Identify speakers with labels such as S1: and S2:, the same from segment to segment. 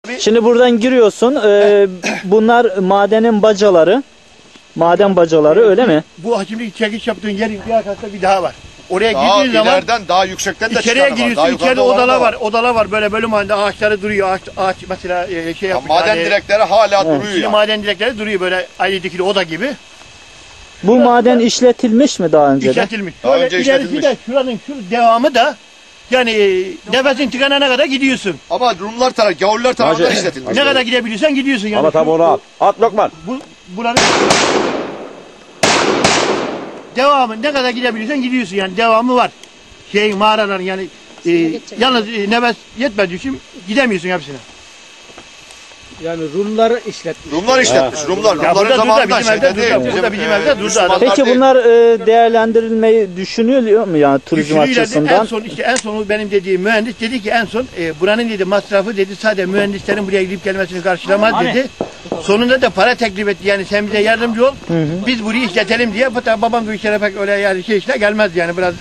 S1: Şimdi buradan giriyorsun. Bunlar madenin bacaları. Maden bacaları öyle mi?
S2: Bu şimdi çekiş yaptığın yerin bir arkasında bir daha var. Oraya
S3: Daha
S2: girdiğin zaman
S3: ileriden daha yüksekten de
S2: içeriye
S3: çıkanı var.
S2: giriyorsun. İçeride odalar var. Odalar var. Böyle bölüm halinde ağaçları duruyor. Ağaç mesela şey yapmış.
S3: maden direkleri hala duruyor
S2: Şimdi
S3: yani.
S2: maden direkleri duruyor böyle ayrı dikili oda gibi.
S1: Bu maden işletilmiş mi daha önce de?
S2: İşletilmiş.
S3: Daha
S2: Böyle
S3: önce
S2: ilerisi
S3: işletilmiş.
S2: de şuranın şu devamı da yani nefesin tıkanana kadar gidiyorsun.
S3: Ama Rumlar tarafı, Gavurlar tarafından işletilmiş.
S2: Ne kadar gidebiliyorsan gidiyorsun yani.
S4: Ama tabi onu at. At Lokman.
S2: Buranın devamı ne kadar gidebiliyorsan gidiyorsun yani devamı var. Mağaraların yani yalnız nefes yetmediği için gidemiyorsun hepsine.
S5: Yani Rumlar işletmiş.
S3: Rumlar işletmiş. Rumlar.
S2: Ya burada
S3: Rumların zamanında
S2: bizim evde
S3: değil.
S2: durdu. Burada bizim evde durdu adam.
S1: Peki bunlar değerlendirilmeyi düşünülüyor mu yani turizm
S2: Düşünüyorlar.
S1: açısından?
S2: En son işte en sonu benim dediğim mühendis dedi ki en son buranın dedi masrafı dedi sadece mühendislerin buraya gidip gelmesini karşılamaz dedi. Sonunda da para teklif etti yani sen bize yardımcı ol. Biz burayı işletelim diye. Hatta babam bu işlere pek öyle yani işine gelmez yani biraz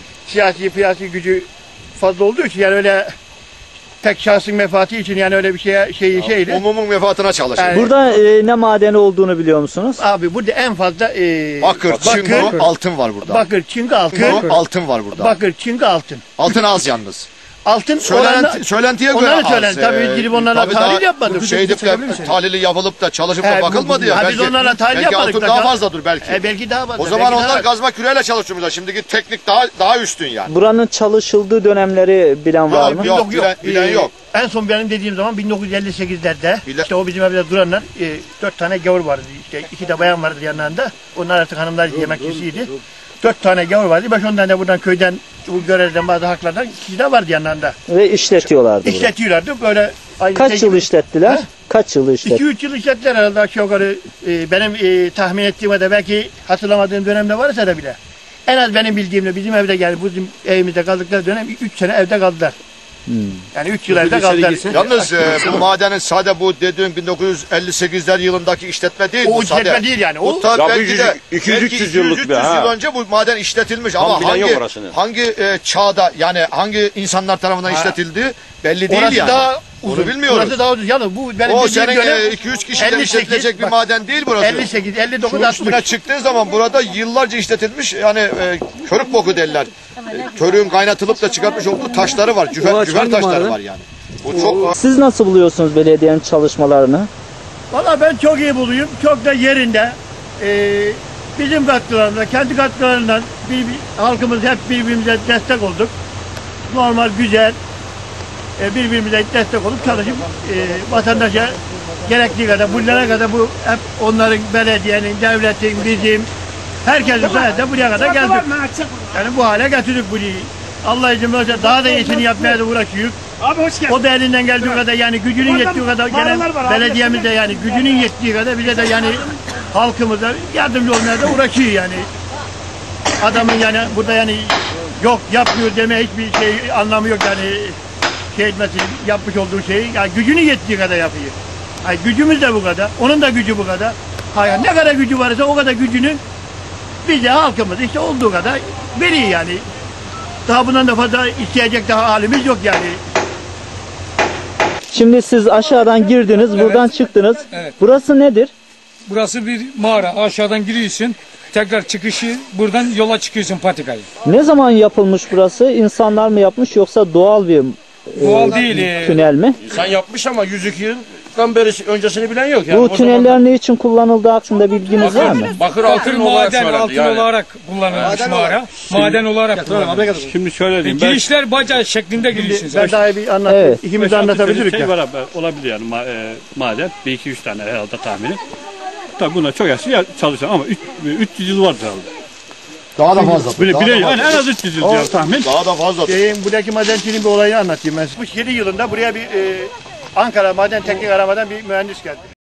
S2: siyasi gücü fazla olduğu için yani öyle tek şahsın menfaati için yani öyle bir şeydi.
S3: Umumun menfaatine çalışıyor.
S2: Yani-
S1: Burada ne madeni olduğunu biliyor musunuz?
S2: Abi burada en fazla
S3: Bakır, çinko, altın var burada.
S2: bakır, çinko, altın.
S3: Altın var burada.
S2: Bakır, çinko, altın.
S3: Altın az yalnız.
S2: Altın
S3: Söylentiye göre
S2: onları
S3: az.
S2: söylen. Tabii gidip onlarla
S3: Tabii
S2: tahlil
S3: daha
S2: yapmadık.
S3: Şey edip de tahlili yapılıp da çalışıp da bakılmadı ya.
S2: Biz onlarla tahlil
S3: belki
S2: yapmadık.
S3: altın daha fazladır belki.
S2: Belki daha fazla.
S3: O zaman
S2: belki
S3: onlar
S2: daha...
S3: kazma küreyle çalışıyorlar. Şimdiki teknik daha üstün yani.
S1: Buranın çalışıldığı dönemleri bilen var mı?
S3: Yok, bilen yok.
S2: En son benim dediğim zaman 1958'lerde işte o bizim evde duranlar 4 tane gavur vardı. İşte 2 de bayan vardı yanlarında. Onlar artık hanımlar yemekçisiydi. 4 tane gavur vardı. 5-10 tane de buradan köyden bu görevden bazı haklardan kişi de vardı yanlarında.
S1: Ve işletiyorlardı burayı.
S2: İşletiyorlardı böyle.
S1: Kaç yıl işlettiler?
S2: Ha?
S1: Kaç yıl işlettiler?
S2: 2-3 yıl işlettiler herhalde aşağı yukarı. Benim tahmin ettiğime de belki hatırlamadığım dönemde varsa da bile. En az benim bildiğimde bizim evde yani bizim evimizde kaldıkları dönem 3 sene evde kaldılar. Yani 3 yıl evde kaldılar.
S3: Yalnız bu madenin sade bu dediğim 1958'ler yılındaki işletme değil.
S2: O
S3: bu sade.
S2: işletme değil yani. O
S3: Bu tabii
S4: Ya
S3: belki de
S4: 200-300 yıllık
S3: 300
S4: bir, ha.
S3: yıl önce bu maden işletilmiş
S4: Tam
S3: ama
S4: bilen yok orasını.
S3: hangi çağda yani hangi insanlar tarafından işletildiği belli değil
S2: orası
S3: yani.
S2: daha uzun.
S3: Onu bilmiyoruz.
S2: Orası daha uzun. Yalnız bu benim
S3: O
S2: dediğim
S3: senin
S2: dönem
S3: 2-3 kişiden
S2: 58,
S3: işletilecek bir
S2: bak,
S3: maden değil burası.
S2: 58, 59,
S3: Şunun üstüne
S2: 60.
S3: çıktığın zaman burada yıllarca işletilmiş yani körük boku derler. Körüğün kaynatılıp da çıkartmış olduğu taşları var. Cüfer taşları var yani. Bu çok
S1: Siz nasıl buluyorsunuz belediyenin çalışmalarını?
S2: Valla ben çok iyi buluyorum. Çok da yerinde. Bizim katkılarımızla, kendi katkılarından halkımız hep birbirimize destek olduk. Normal, güzel. Birbirimize destek olup çalışıp vatandaşa gerektiği kadar, bunlara kadar bu hep onların, belediyenin, devletin, bizim, herkesin sayesinde buraya kadar geldik. Yani bu hale getirdik burayı. Allah izin verirse daha da iyisini yapmaya da uğraşıyoruz.
S5: Abi hoş geldin.
S2: O da elinden geldiği kadar yani gücünün yettiği kadar gelen belediyemizde yani gücünün yettiği kadar bize de yani halkımıza yardımcı olmaya da uğraşıyor yani. Adamın yani burada yani yok yapmıyor deme hiçbir şey anlamı yok yani şey etmesi yapmış olduğu şeyi yani gücünün yettiği kadar yapıyor. Yani gücümüz de bu kadar. Onun da gücü bu kadar. Hayır ne kadar gücü varsa o kadar gücünü bize halkımız işte olduğu kadar veriyor yani. Daha bundan da fazla isteyecek daha halimiz yok yani.
S1: Şimdi siz aşağıdan girdiniz, buradan çıktınız.
S5: Evet.
S1: Burası nedir?
S5: Burası bir mağara. Aşağıdan giriyorsun. Tekrar çıkışı buradan yola çıkıyorsun patikayı.
S1: Ne zaman yapılmış burası? İnsanlar mı yapmış yoksa doğal bir
S5: Doğal değil.
S1: tünel mi?
S6: İnsan yapmış ama 102 yıldan beri öncesini bilen yok. Yani
S1: Bu tüneller ne için kullanıldığı hakkında bilginiz var mı?
S6: Bakır
S5: Bakır
S6: altın olarak
S5: maden,
S6: söylendi
S5: altın
S6: yani.
S5: olarak kullanılmış mağara. Maden olarak kullanılmış.
S4: Şimdi şöyle diyeyim.
S5: Girişler baca şeklinde giriyorsunuz.
S2: Ben daha bir anlatayım.
S1: Evet.
S2: İkimiz de anlatabiliriz
S7: şey
S2: ya.
S7: var, olabilir yani maden. 1-2-3 tane herhalde tahmini. Tabii buna çok yaşlı çalışan ama 300 yıl vardır herhalde.
S3: daha da fazla.
S7: Yani en az 300 yıl diyor tahmin.
S3: Daha da fazla.
S2: Buradaki madenciliğin bir olayını anlatayım ben. 67 yılında buraya bir Ankara Maden Teknik Aramadan bir mühendis geldi.